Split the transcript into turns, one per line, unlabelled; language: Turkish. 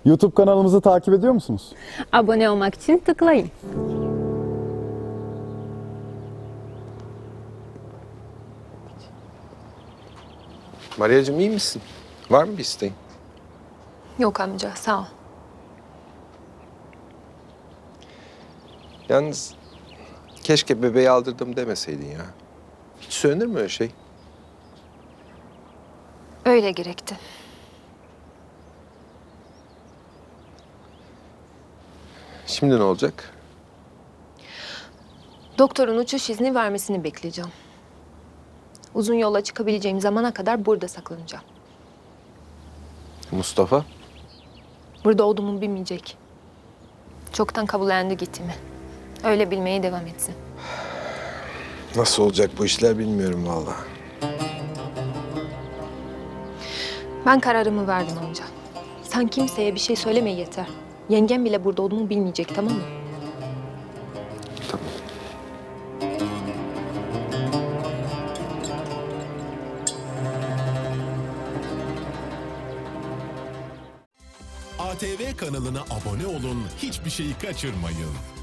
YouTube kanalımızı takip ediyor musunuz?
Abone olmak için tıklayın.
Maria'cığım iyi misin? Var mı bir isteğin?
Yok amca, sağ ol.
Yalnız keşke bebeği aldırdım demeseydin ya. Hiç söylenir mi öyle şey?
Öyle gerekti.
Şimdi ne olacak?
Doktorun uçuş izni vermesini bekleyeceğim. Uzun yola çıkabileceğim zamana kadar burada saklanacağım.
Mustafa?
Burada olduğumu bilmeyecek. Çoktan kabullendi gittiğimi. Öyle bilmeye devam etsin.
Nasıl olacak bu işler bilmiyorum vallahi.
Ben kararımı verdim amca. Sen kimseye bir şey söyleme yeter. Yengem bile burada olduğumu bilmeyecek, tamam mı?
Tamam.
ATV kanalına abone olun, hiçbir şeyi kaçırmayın.